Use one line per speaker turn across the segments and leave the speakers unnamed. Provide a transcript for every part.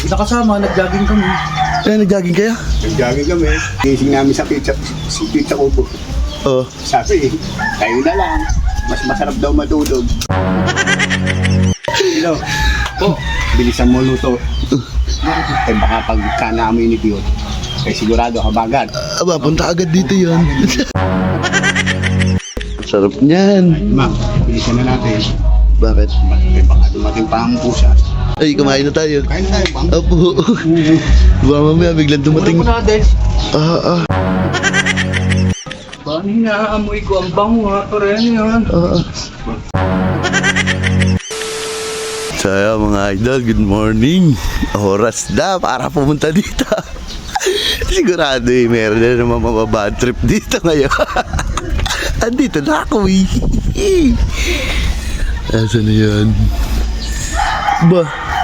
nakasama, nag-jogging kami.
Nag-jogging kayo?
Nag-jogging kami. Gising namin sa pizza kubo.
Oo.
Sabi, kayo na lang. Mas masarap daw matulog. Hello. Po, bilisan mo luto. Baka pagka naamoy yun, sigurado habagat.
Aba, punta agad dito yun. Sarap niyan.
Ma, bilisan na natin.
Bakit?
Baka dumating pa ang pusa.
Ay, kumain na tayo.
Kain tayo, bang?
Opo. Baka mamaya biglang dumating.
Muna natin. Paano hinaamoy ko ang bango ha? Pare, ano yan?
So mga idol, good morning. Oras na para pumunta dito. Sigurado meron na naman mababad trip dito ngayon. Andito na ako eh. Asan na yan? Ba?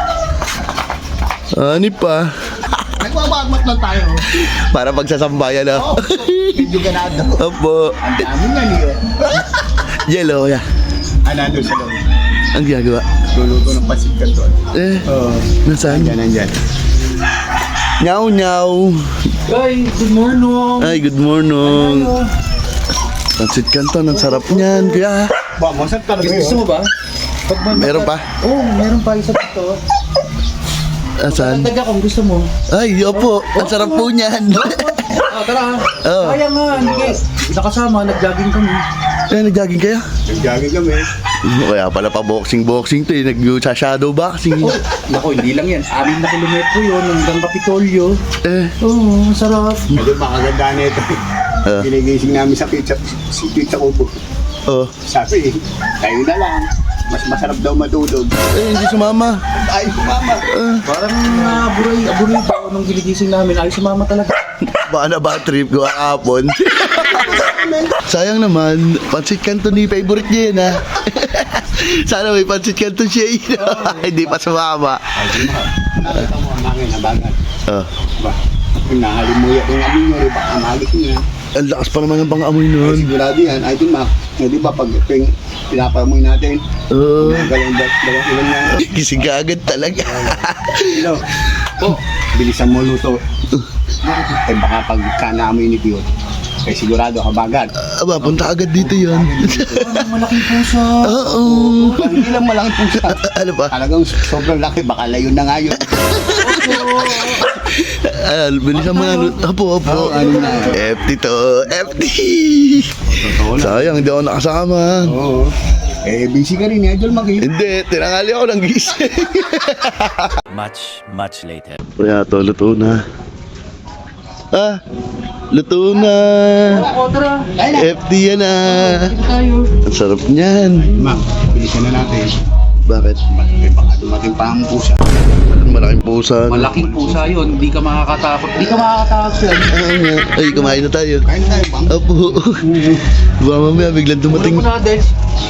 Ani pa?
Nagwawagmat lang tayo.
Para pagsasambayan na.
Medyo ganado.
Opo.
Ang dami nga niyo.
Yellow, ya.
Nandun sa loob.
Ang ginagawa?
Luluto ng pasit ka doon.
Nasaan?
Nandyan.
Nyaw, nyaw.
Ay, good morning.
Ay, good morning. Pansit Canton, ang sarap niyan. Kaya,
Ba, masarap talaga yun.
Gusto mo ba?
meron pa?
Oo, meron pa isa dito.
Asan?
Taga kung gusto mo.
Ay, opo. Ang sarap po niyan.
Tara.
Oo.
Sayang nga, hindi. Nakasama, nag-jogging kami.
Nag-jogging kayo?
Nag-jogging kami.
Kaya pala pa boxing to eh. Nag-shadow boxing.
Naku, hindi lang yan. 6 na kilometro yun hanggang Kapitolyo. Oo, masarap.
Medyo makaganda na ito. Ginigising namin sa pizza kubo.
Oh.
Sabi, kayo na lang. Mas masarap daw matulog.
Hindi sumama.
Ay, mama.
Parang aburay pa nung giligising namin. Ay, sumama talaga.
Baka na bad trip ko kahapon. Sayang naman. Pansit Canton ni favorite niya yun ha. Sana may Pansit Canton siya yun. Hindi pa sumama.
Ay, di ma. Nakita mo ang hangin na bagat. Ba, kung nahalimuya kung amin nyo, baka magis niya.
Ang lakas pa naman ng pang-amoy
Ay,
nun.
sigurado yan. Ay, di ma. Di ba, pag pinapamoy natin, dalawang ilan yan.
Gising ka agad talaga.
Hello. Po, bilisan mo luto. Baka pagka naamoy yun, sigurado habagat.
Aba, punta agad dito yun.
Malaking pusa.
Oo.
Hindi lang malaking pusa.
Ano pa?
Talagang sobrang laki, baka layo na nga yun.
Bilisan mo na. Opo.
ano na?
FT to. FT.
Totoo lang.
Sayang, hindi ako nakasama.
Oo. Busy ka rin, Idol Maki.
Hindi, tinangali ako ng gising.
Much later.
Kaya to, luto na. Luto na.
Tara.
FT yan na.
Tayo.
Ang sarap niyan.
Ma, bilisan na natin.
Bakit?
Baka dumating pa ang pusa.
Malaking pusa.
Malaking pusa yun. Hindi ka makakatakot. Hindi ka makakatakot yan.
Ay, kumain na tayo.
Kain tayo, bang?
Opo. Baka mamaya biglang dumating.
Muna natin.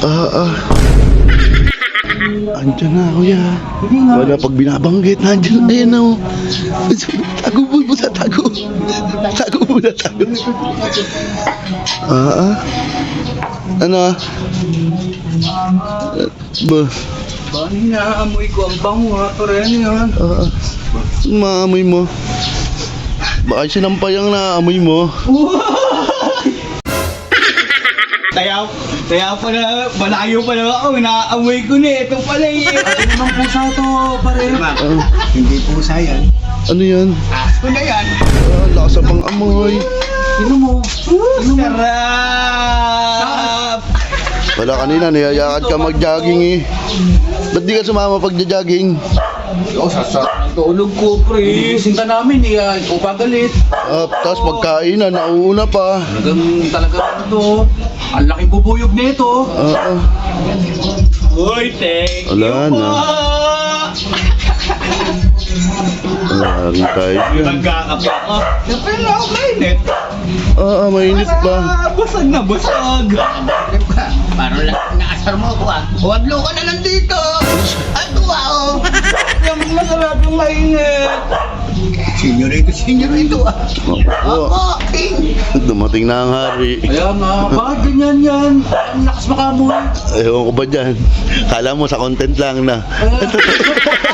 Andiyan na, kuya. Wala pag binabanggit. Andiyan na, ayan na. Tago muna, tago. Tago muna, tago. Ano? Ba?
Paano hinaamoy ko ang bango ha? Pare, ano yan?
Maamoy mo. Baka sinampay ang naamoy mo.
Kaya pala, malayo pala ako, inaamoy ko na, ito pala eh.
Ano namang pusa to, pare?
Hindi pusa yan.
Ano yan?
Aso na yan.
Lasa pang amoy.
Sino mo?
Sarap!
Wala kanina, niyayakad ka mag-jogging eh. Ba't di ka sumama pag-jogging?
Tulog ko, pre. Sinta namin eh. Ikaw pa galit.
Tapos pagkain na, nauuna pa.
Talagang ito. Ang laking bubuyog nito.
Uy, thank
Wala na. Wala rin tayo.
Magkakape ako. Siyempre na ako mainit.
Mainit pa.
Busag na busag. Parang naasar mo ako ah. Huwag ka na nandito. Ano ah? Yung masarap yung mainit. Senyorito ah.
Oo. Dumating na ang hari.
Kaya nga, bakit ganyan yan? Ang lakas makamoy.
Ewan ko ba dyan? Kala mo sa content lang na.